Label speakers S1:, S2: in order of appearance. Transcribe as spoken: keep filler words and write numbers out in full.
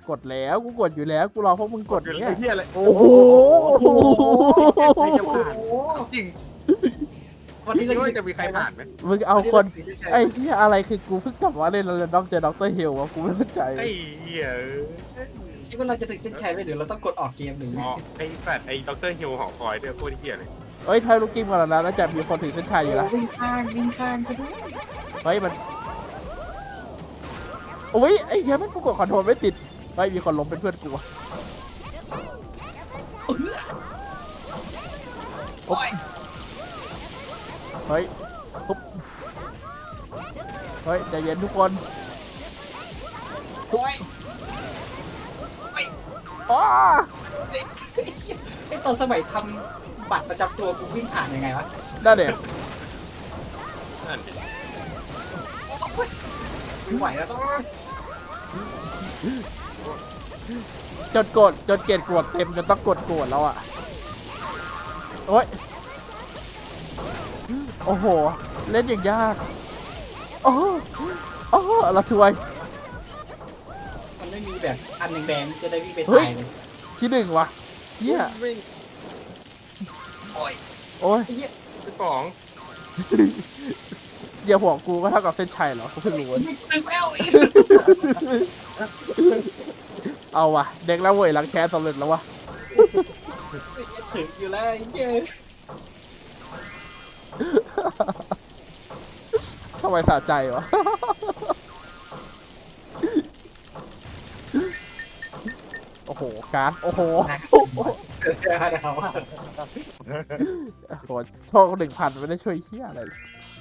S1: กดแล้วกูกดอยู่แล้วกูรอพวกมึงกด
S2: ไอ้
S1: เนี่ย
S2: เหี้ยอะไรโอ้
S1: โอ้โห
S2: ใครจะผ่าน
S3: โอ้
S2: จริง
S3: วันนี้
S2: คิด
S3: เรา
S2: ว่าจะมีใครผ่านไหม
S1: มึงเอาคนไอ้เหี้ยอะไรคือกูเพิ่งกลับมาเล่นแล้วด็อกเจอด็อกเตอร์เฮลวะกูไม่เข้าใจ
S2: ไอ้เหี้ย
S3: คิดว่าเราจะถึงเส้นชัยไหมหรือเราต้องกดออกเกมหรือ
S2: อ๋อไอ้แฟดไอ้ด็อกเตอร์ฮิวหอคอยด้วยโคตรเหี้ยเลย
S1: เฮ้ยทายลูกกิ้งมาแล้วนะแล้วจะมีคนถึงเส้นชัยอยู่นะ
S3: วิ่งข้างวิ่งข้างก็ด้วย
S1: เฮ้ยมันโอ้ยไอ้เหี้ยแม่งกูกดคอนโทรลไม่ติดเฮ้ยมีคนล้มเป็นเพื่อนกูอะ
S3: โอ้ย
S1: เฮ้ยปุ๊บเฮ้ยใจเย็นทุกคน
S3: โอ้ย
S1: อ้า
S3: ไอ้ตอนสมัยทำบัตรประจำตัวกูวิ่งผ่านยังไงวะ
S1: ได้เด็ก
S2: นั่นดิ
S3: ไม่ไหวแล้วต้อง
S1: จนกดจนเกตกดเต็มจนต้องกดกดแล้วอ่ะโอ้ยโอ้โหเล่นอย่างยากโอ้โหโอ้โหเราช่วย
S3: มันไม่มีแบบอันแดงๆจะได้วิ่งไป
S1: เฮ้ย
S3: ถ่ายเลย
S1: ที่หนึ่งวะเหี้ย
S2: วิ่ง
S3: โอ้ย
S1: โอ้ย
S3: ไอ้เหี้ย
S2: ที่สอง
S1: เดี๋ยวหัวกูก็เท่ากับเส้นชัยเหรอกูเพิ่งรู้เว้ย
S3: ตึงแล้วอีก
S1: เอาวะเด็กแล้วเว้ยหลังแคสสำเร็จแล้ววะ
S3: ถึงอยู่แล้วไอ้เหี้ย
S1: ทำไมสะใจวะโอ้โหการ์ดโอ้โห
S3: เกิดอะไรวะ
S1: โอ้โหโชคหนึ่งพันไม่ได้ช่วยเฮียอะไรเลย